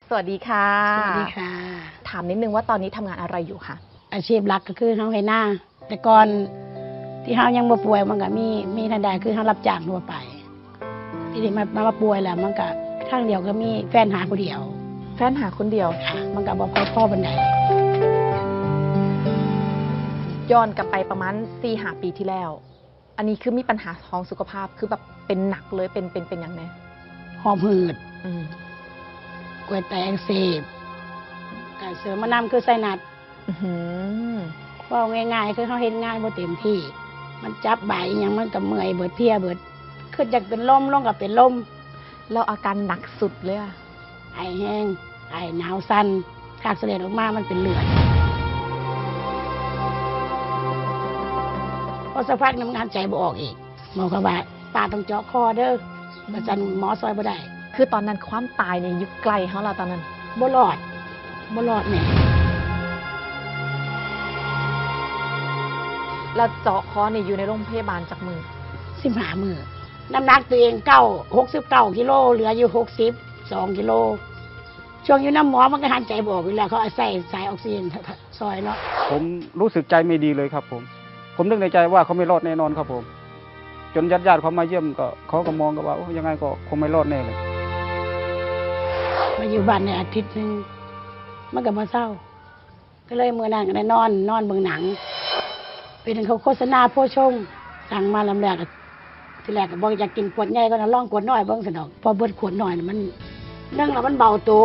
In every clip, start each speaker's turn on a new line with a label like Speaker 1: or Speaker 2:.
Speaker 1: สวัสดีค่ะ
Speaker 2: สวัสดีค่ะ
Speaker 1: ถามนิดนึงว่าตอนนี้ทำงานอะไรอยู่คะ
Speaker 2: อาชีพหลักก็คือเฮาให้หน้าแต่ก่อนที่เฮายังบ่ป่วยมันก็มีทันใดคือเฮารับจ้างทั่วไปทีนี้มาป่วยแล้วมันก็ทางเดียวก็มีแฟนหาผู้เดียว
Speaker 1: แฟนหาคนเดียว
Speaker 2: ค่ะมันก็บ่ค่อยพอปานใด
Speaker 1: ย้อนกลับไปประมาณ4-5 ปีที่แล้ว อันนี้คือมีปัญหาทางสุขภาพคือแบบเป็นหนักเลยเป็นอย่างไง
Speaker 2: หอบหืด
Speaker 1: อืม
Speaker 2: กล้วยแตกอักเสบก็เสริมมานำคือไซนัสเว้าง่ายๆคือเฮาเฮ็ดงานบ่เต็มที่มันจับบ่ายอิหยังมันก็เมื่อยเบิดเพลียเบิดคืออยากเป็นลมลงก็เป็นลม
Speaker 1: แล้วอาการหนักสุดเลยอะ
Speaker 2: ไอแห้งไอหนาวสั่นขากเสลดออกมามันเป็นเลือดพอสักพักน้ำงานใจบ่ออกอีกหมอก็ว่าป้าต้องเจาะคอเด้ออาจารย์หมอซอยบ่ได้
Speaker 1: คือตอนนั้นความตายเนี่ยอยู่ไกลเขาเราตอนนั้น
Speaker 2: บ่รอดแน่
Speaker 1: เราเจาะคอเนี่ยอยู่ในโรงพยาบาลจากมือ
Speaker 2: 15 มื้อน้ำหนักตัวเอง69 กิโลเหลืออยู่62 กิโลช่วงอยู่น้ำหมอมันก็หันใจบ่ออกอยู่แล้วเขาใส่สายออกซิเจนซอยเนาะ
Speaker 3: ผมรู้สึกใจไม่ดีเลยครับผมนึกในใจว่าเขาไม่รอดแน่นอนครับผมจนญาติเขามาเยี่ยมก็เขาก็มองกันว่ายังไงก็คงไม่รอดแน่เลย
Speaker 2: มาอยู่บ้านในอาทิตย์นึงมันก็มาเศร้าก็เลยมื้อนั้นก็ได้นอนเบิ่งหนังเป็นเขาโฆษณาโพชงสั่งมาลำแรกทีแรกก็บอกอยากกินขวดใหญ่ก็ลองขวดน้อยเบิ่งซะดอกพอเบิดขวดน้อยมันนึ่งแล้วมันเบาตัว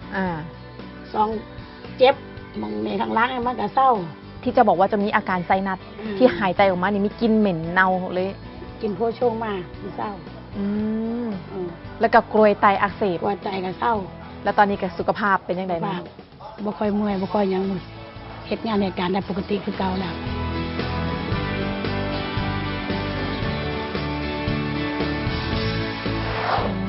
Speaker 2: 2เจ็บมองในทางล้างมันก็เศร้า
Speaker 1: ที่จะบอกว่าจะมีอาการไซนัสที่หายใจออกมานี่มีกลิ่นเหม็นเน่าเลย
Speaker 2: กินโพชงมาเศร้า
Speaker 1: แล้วก็กรวยไตอักเสบ
Speaker 2: กรวยไตก็เศร้า
Speaker 1: แล้วตอนนี้ก็สุขภาพเป็นยังไงบ้าง
Speaker 2: บ่ค่อยเมื่อยบ่ค่อยยังเฮ็ดงานเหตุการณ์ได้ปกติคือเก่าแล้ว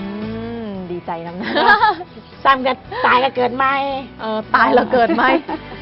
Speaker 1: ดีใจนะ
Speaker 2: ซ้ำก็ตายก็เกิดใหม่
Speaker 1: ตายแล้วเกิดใหม่